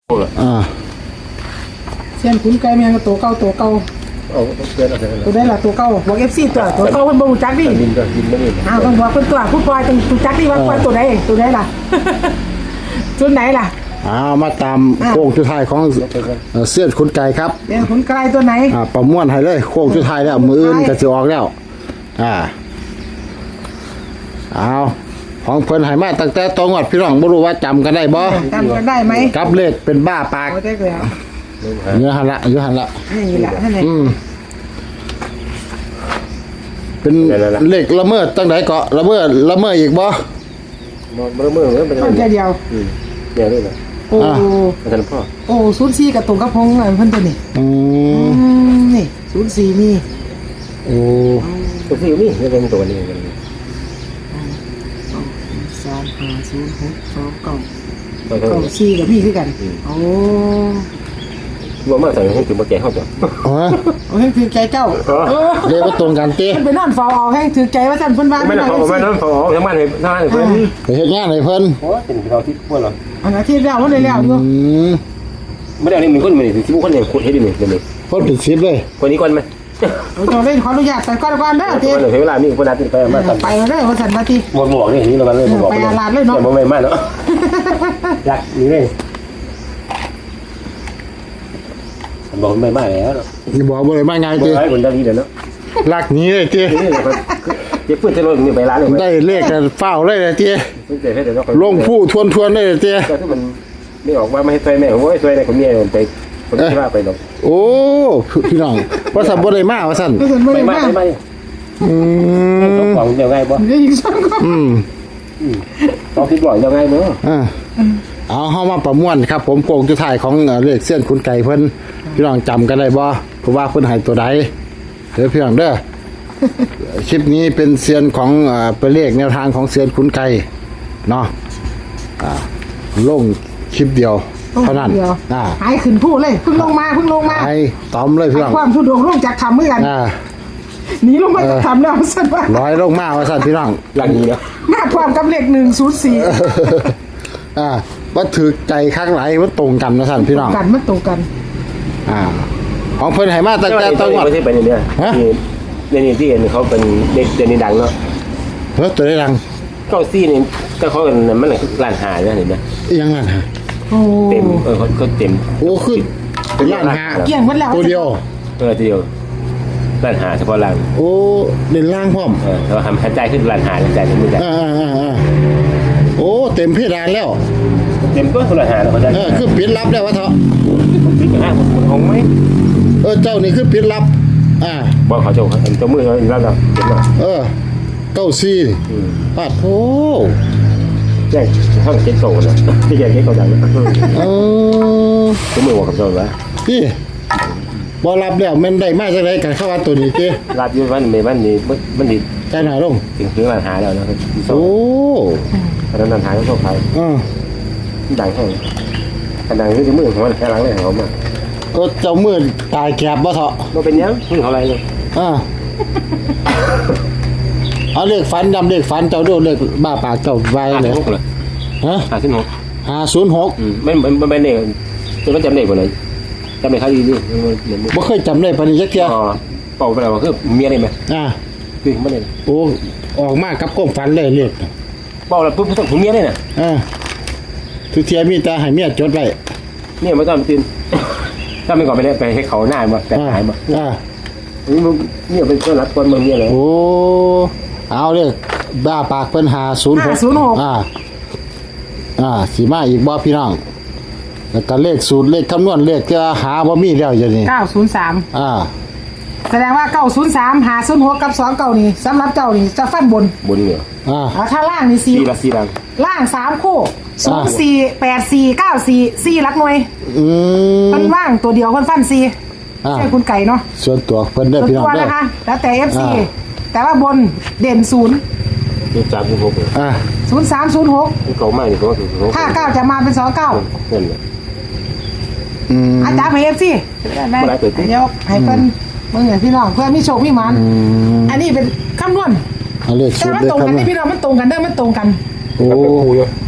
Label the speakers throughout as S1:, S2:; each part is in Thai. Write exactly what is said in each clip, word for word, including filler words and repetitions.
S1: อ่า
S2: เส้นขุนไก่แมงตัวเก่าตัวเก่า
S3: เอาเกินอะไร
S2: ตัวได้ละตัวเก่าบอกเอฟซีตัวตัวเก่าเพิ่นบ่รู้จักดิ
S3: ดินก็ดินไม่ได้
S2: อ้าวต้องบอกเพิ่นตัวผู้ปล่อยต้องรู้จักดิว่าปล่อยตัวใดตัวใดล่ะตัวไหนล่ะ
S1: อ้าวมาตามโค้งสุดท้ายของเสื้อขุนไก่ครับ
S2: เส้นขุนไก่ตัวไหน
S1: อ่าประมวลให้เลยโค้งสุดท้ายแล้วมืออื่นก็สิออกแล้วอ่าเอาของเพิ่นให้มาตั้งแต่ตองวัดพี่น้องบ่รู้ว่าจำกันได้บ่
S2: จำกันได้ไหม
S1: กับเลขเป็นบ้าปาก
S2: โอ้ได้แล้ว
S1: เนื้อหันละเนื้อหันละ
S2: นี่แหละนั่นแหละ
S1: อืมเป็นเลขละเมิดตั้งไหนเกาะละเมิดละเมิดอีกบ่
S3: มันละเมิดมันเป็น
S2: แค่เดียว
S3: อืมเดียวด้วยนะ
S2: โอ้
S3: อาจารย์พ่อ
S2: โอ้ศูนย์สี่กับตรงกับพงเพิ่นตัวนี้
S1: อื
S2: มนี่ศูนย์สี่นี่
S1: โอ้
S3: ตัวที่นี่นี่เป็นตัวนี้กัน
S2: สามห้าศูนย์หกสองเก้าเก้าสี่กับพี่คือกันโอ้
S3: รวมมาใส่ให้ถึงมาแก่เข้าตัว
S1: อ๋อ
S2: โอ้ให้ถือใจเจ้า
S1: เรียกว่าตรงกันเต้
S2: ไปนอนฟอเอาให้ถือใจว่าท่านเพิ่นว่า
S3: ไม่ได้ฟอไม่ได้ฟอทั้งบ้านเลยทั้งบ้านเลยเพิ่น
S1: ไปเฮ็ดงานให้เพิ่น
S3: โอ้เป็นเราที่พวกเรา
S2: อันนั้นที่แล้วมันได้แล้วอยู่
S3: ไม่ได้นี่มีคนมีที่พวกคนอย่างคนเฮ็ดดินี่นี่
S1: คนเป็นสิบเลย
S3: คนนี้ก่อนมั้ย
S2: เราจะเล่นขออนุญาตไปก่อนก่อนเด้อ
S3: ทีเวลามีคนนัดไปมาสั่น
S2: ไปเด้อว่าสั่นมาที
S3: หมวกหมวกนี่นี่เราเลยหมวก
S2: ไปอาลาดเลยเนาะ
S3: บ่ไม่มาเนาะอยากนี่เลยบอกไม่มาแล้ว
S1: นี่บอกบ่ได้มาไงติ
S3: บ่ได้คนได้นี่เด้อเนาะ
S1: ลักนี้เลยติ
S3: นี่เลยเจ็บปืนจะลงนี่ไปร้านเลย
S1: ได้เลขกันเฝ้าเลยติลงผู้ทวนๆเลยติ
S3: แต่ถ้ามันไม่ออกมาไม่ให้ช่วยแม่โอ้ยช่วยในคนเมียไปคนที่ว่าไปดอก
S1: โอ้พี่น้องว่าซั่นบ่ได้มาว่าซั่น
S3: ไม่มาไม่มา
S1: อืม
S3: ต้องของเดี๋ยวไงบ่
S1: อืม
S3: ต้องคิดบ่อยเดี๋ยวไงเนาะ
S1: อ่าเอาเฮามาประมวลครับผมโกงสุดท้ายของเลขเส้นขุนไก่เพิ่นพี่น้องจำกันได้บ่เพราะว่าเพิ่นให้ตัวใดเด้อพี่น้องเด้อคลิปนี้เป็นเซียนของอ่าเป็นเลขแนวทางของเซียนขุนไก่เนาะอ่าลงคลิปเดียวเท่านั้น
S2: อ่าหายขึ้นพูดเลยเพิ่งลงมาเพิ่งลงมา
S1: ไอ้ตอมเลยพี่น้อง
S2: ความทุดงลงจากทำเหมือนกัน
S1: อ่า
S2: หนีลงมาจากทำแล้วสั่นว่า
S1: ร้อยลงมาว่าสั่นพี่น้อง
S3: หลังนี้เนาะ
S2: มาความกับเลขหนึ่งศูนย์สี่
S1: อ่าว่าถือใจข้างไหนว่าตรงกันนะสั่นพี่น้อง
S2: กันมันตรงกัน
S1: อ่าของเพิ่นให้มาตั้งแต่ต้น
S3: ไม่ใช่ไปเนี่ยนี่นี่ที่เห็นเขาเป็นเด็กเดนนี่ดังเนาะ
S1: เฮ้ยตัวได้ดัง
S3: เก้าซี่นี่ก็เขาเป็นมันหลังร้านหาเนี่ยเห็นไหม
S1: ยังไงฮะ
S3: เต็มเออเขาเขาเต็ม
S1: โอ้ขึ้นเป็นร้านหา
S2: เกี่ยงมันแล้ว
S1: ตัวเดียว
S3: เออตัวเดียวร้านหาเฉพาะร้าน
S1: โอ้เด่นล่างพร้อม
S3: เออเราทำหายใจขึ้นร้านหาหายใจขึ้นไม่ได้
S1: อ่าอ่าอ่าโอ้เต็มเพดานแล้ว
S3: เต็มก็ร้านหาแล้วเขาได้
S1: เออคือปิดลับแล้ววะเถอะ
S3: ปิดห้าคนคงไหม
S1: เออเจ้านี่คือปิดลับอ่า
S3: บอกเขาเจ้าเจ้ามือเขารับรับเห็นไหม
S1: เออเก้าซี่ปัดโอ้
S3: แจ้งห้องเช็คโซ่นะที่แกเช็คเขาดัง
S1: เออ
S3: เจ้ามือบอกกับเจ้าว่า
S1: พี่บอรับแล้วมันได้มากจังไรกันเข้าวันตัวนี้เจ้
S3: รับอยู่วันไม่วันนี้วันนี้
S1: ใจหน่อยลง
S3: ถึงถึงร้านหาแล้วนะ
S1: โอ้
S3: ตอนนั้นร้านหาก็โชคใคร
S1: อ่า
S3: ดังแค่ขนาดที่มือของมันแค่หลังเลยเขามา
S1: เออเจ้ามือตายแกบบ่เถอะ
S3: มันเป็นยังมือเขาอะไรเลย
S1: อ่าเอาเลขฟันจำเลขฟันเจ้าดูเลขบ้าปากเจ้าไว้เลยฮะ
S3: ห้าศูนย์หก
S1: ห้าศูนย์หก
S3: ไม่ไม่ไม่เนี่ยจะไม่จำเลขคนไหนจำเลขใครดีดิ
S1: ไม่เคยจำเลขปนิจักเกีย
S3: อ๋อเป่าไปแล้วคือเมียได้ไหม
S1: อ่า
S3: คือไม่ได้
S1: โอ้ออกมากกับก้มฟันเลยเลข
S3: เป่าแล้วปุ๊บต้องถึงเมียได้น่ะ
S1: อ่าทุกเทียมีแต่ให้เมียจดไว้
S3: เนี่ยไม่ต้องตื่นถ้าไม่ก่อนไปได้ไปให้เขาหน้ามาแต่หายมา
S1: อ่า
S3: นี่มึงเนี่ยเป็นคนรักคนมึงเนี่ยเลย
S1: โอ้เอาเลยบ้าปากเป็นหาศูนย์หกอ่าอ่าสีมาอีกบ่พี่น้องแล้วก็เลขสูตรเลขคำนวณเลขจะหาบ่มีแล้วอย่างนี้
S2: เก้าศูนย์สาม
S1: อ่า
S2: แสดงว่าเก้าศูนย์สามหาศูนย์หกกับสองเก้านี่สำหรับเจ้านี่จะฟันบน
S3: บนเหรอ
S1: อ่า
S2: ถ้าล่างนี่สี่
S3: ละสี่ล่าง
S2: ล่างสามคู่ศูนย์สี่แปดสี่เก้าสี่สี่ลักหน่วย
S1: อืม
S2: มันว่างตัวเดียวคนฟันสี่ใช่คุณไก่เนาะ
S1: ส่วนตัวเพิ่นได้พี่น้องได้
S2: นะคะแล้วแต่ เอฟ ซี แต่ว่าบนเด่นศูนย์
S3: ศูนย์สามศูนย์หก
S1: อ่า
S2: ศูนย์สามศูนย์หก
S3: เก่ามากเลยเขา
S2: ถ้าเก้าจะมาเป็นสองเก้า
S3: นั่นแหละ
S1: อืม
S2: อาจารย์ให้ เอฟ ซี ได้ไหมเดี๋ยวให้เพิ่นเมื่อไงพี่น้องเพื่อมีโชคมีมันอันนี้เป็นคำนวณ
S1: เลขสูตร
S2: เลขคำนวณแต่มันตรงกันนี่พี่น้องมันตรงกันได้มันตรงกัน
S1: โอ้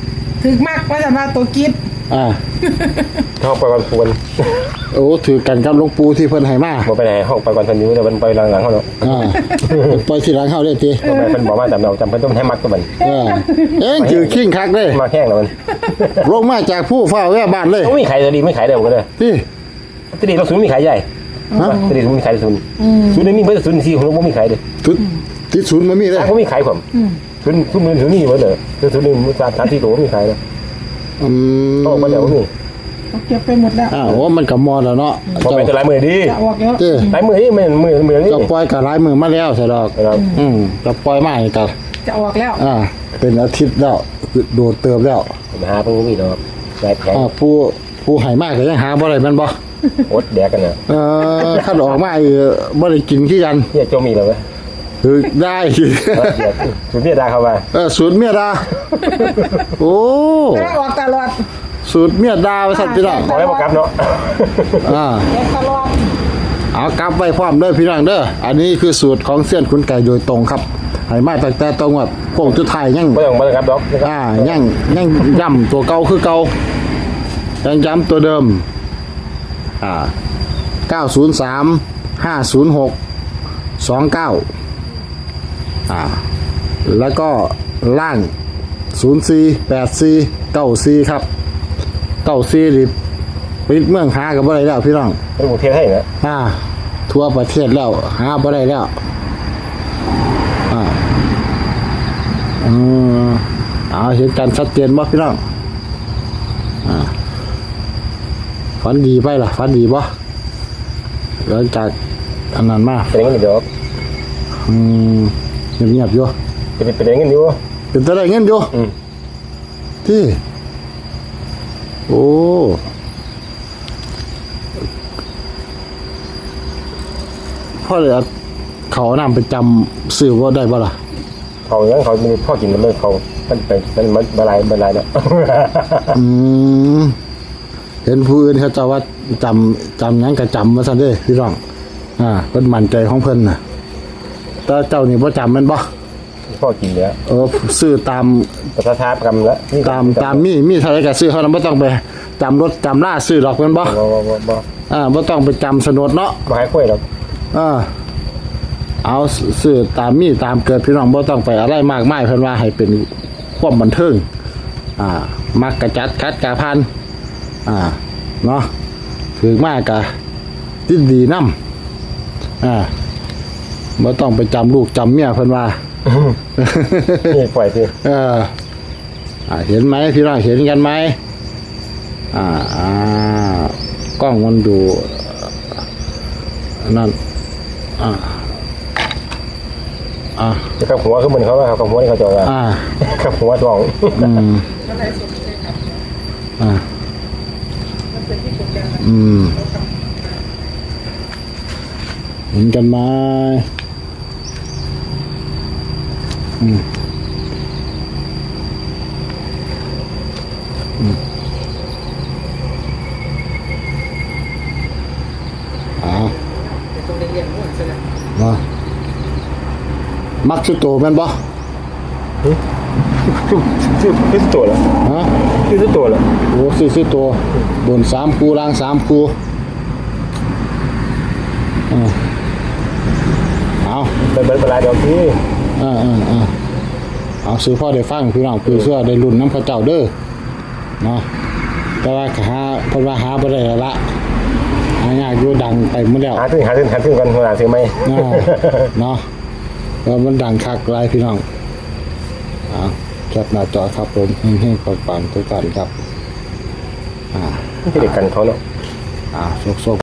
S2: ถึกมากว่าจะมาตัวกิฟ
S1: อ่า
S3: ห้องไปวันควร
S1: โอ้ถือกันกับหลวงปู่ที่เพิ่นให้มา
S3: บ่ไปไหนห้องไปวันพันนิ้วแต่มันไปหลังๆเขาเนาะ
S1: อ่าปล่อยทีหลังเฮาได้ติ
S3: บ่ไปเพิ่นบอกว่าจำเราจำเพิ่นต้องให้มักตัวมัน
S1: เออเอ็งถือขิงคักเด้
S3: มาแห้งแล้วมัน
S1: ลงมาจากผู้เฝ้าแว่บ้านเลย
S3: ต้องมีขายดีไม่ขายได้หมดเลย
S1: นี่
S3: ตดีเราศูนย์มีขายใหญ่
S1: ฮะ
S3: ตดีศูนย์มีขายศูนย์ศูนย์นี่มีเพิ่นศูนย์สี่ของเราบ่มีขายเลย
S1: ทุดที่ศูนย์มันมีเลย
S3: ถ้าบ่มีขายผมศูนย์ศูนย์มือศูนย์นี่หมดเลยคือศูนย์นี่สามสามสี่ตัวมีขายเลย
S1: อืม
S3: ต้องมาแล้วนี่
S2: เก็บไปหมดแล้ว
S1: อ้าวโอ้มันก็มอแล้วเนาะ
S3: บ่เป็นตัวลายมือดี
S2: จะออกแล้ว
S1: เจ้
S3: ลายมือนี่มันมือมือนี่
S1: ก็ปล่อยกับหลายมือมาแล้วใช่ดอก
S3: ครับ
S1: อืมก็ปล่อยมาอีกก็
S2: จะออกแล้ว
S1: อ่า เป็นอาทิตย์แล้วโดดเติบแล้ว
S3: หาเพิ่นบ่มีดอกลายแพง
S1: อ่าผู้ผู้ให้มากก็ยังหาบ่ได้แม่นบ่
S3: อดแดกกันน่ะ
S1: เออคันออกมาอีกบ่ได้กินคือกัน
S3: เนี่ยโจมีแล้วเว้ย
S1: คือได้
S3: ศูนย์เมียดาเข้ามา
S1: เออสูตรเมียดา โอ้
S2: แต่ออกตลอด
S1: สูตรเมียดาว่าซั่นพี่น้อง
S3: ขอให้บ่กลับเนาะ
S1: อ่า
S2: เก็บตลอด
S1: เอากลับไว้พร้อมเด้อพี่น้องเด้ออันนี้คือสูตรของเสี้ยนขุนไก่โดยตรงครับให้มาตั้งแต่ตรงว่าโค้งสุดท้ายยัง
S3: บ่ต้องบ่ต้องกลับดอก
S1: อ่ายังยังย้ำตัวเก่าคือเก่ายังย้ำตัวเดิมอ่าเก้าศูนย์สามห้าศูนย์หกสองเก้าอ่าแล้วก็ล่างศูนย์สี่แปดสี่เก้าสี่ครับเก้าสี่ดิปิดเมืองหากับอะไรแล้วพี่น้อง
S3: เป็นหมู่เทศให้นะ
S1: อ่าทั่วประเทศแล้วหาบ่ได้แล้วอ่าอืมเอาเห็นกันชัดเจนบ่พี่น้องอ่าฝันดีไปล่ะฝันดีบ่หลังจากอันนั้นมา
S3: เป็นเงินเดี๋ยว
S1: อืมเงียบๆอยู่
S3: จะเป็นเงินอยู่
S1: เป็นตัวได้เงินอยู่
S3: อืม
S1: ที่โอ้พ่อเลยเอาเขาเอานำไปจำซื้อว่าได้บ่ล่ะ
S3: เขาอย่างเขามีพ่อกินมันเลยเขามันเป็นมันมันบลายบลายเนาะ
S1: อืมเห็นผู้อื่นเขาเจะว่าจำจำหยังก็จำมาซะเด้พี่น้องอ่าเพิ่นมั่นใจของเพิ่นน่ะแต่เจ้านี่บ่จำแม่นบ่
S3: พ่อกินเนี้ย
S1: เออซื้อตาม
S3: ประทับกรรมแล้ว
S1: ตามตามมีมีเท่าไหร่ก็ซื้อเท่านั้นบ่ต้องไปจำรถจำล่าซื้อดอกแม่นบ่
S3: บ่บ่บ่บ่
S1: อ่าบ่ต้องไปจำสนดเนาะ
S3: บ่ให้คุยหรอก
S1: อ่าเอาซื้อตามมีตามเกิดพี่น้องบ่ต้องไปอะไรมากมายเพิ่นว่าให้เป็นความบันเทิงอ่ามักกะจัดคัดกะพันอ่าเนาะถึงมากกะติดดีนำอ่าบ่ต้องไปจำลูกจำเมียเพิ่นว่า
S3: นี่ปล่อยสิ
S1: เอออ่าเห็นไหมพี่น้องเห็นกันไหมอ่าอ่ากล้องมันดูนั่นอ่าอ่า
S3: จะกับหัวคือมันเขาว่ากับหัวนี่เขาจะว่า
S1: อ่า
S3: กับหัวท้อง
S1: อืมอ่าอืมเห็นกันไหมอืมอืมอ่ามามักสุดโตแม่นบ่
S3: ชื่อชื่อตัวละ
S1: ฮะ
S3: ชื่อตัวละ
S1: โอ้ซื้อซื้อตัวบนสามคูล่างสามคูอ่าเอา
S3: เป็นเป็นลายเดียวที่
S1: อ่าอ่าอ่าเอาซื้อพ่อได้ฟังพี่น้องคือเสื้อได้รุ่นน้ำพระเจ้าเด้อเนาะแต่ว่าหาเพราะว่าหาบ่ได้แล้วละหายากอยู่ดังไปหมดแล้ว
S3: หาถึงหาถึงหาถึงกันเวลาซื้อไหม
S1: อ่าเนาะแล้วมันดังคักหลายพี่น้องอ่าแคปหน้าจอครับผมเฮงๆปังๆทุกท่านครับ
S3: ที่เด็กกันเขาเนาะ
S1: อ่าโชคๆ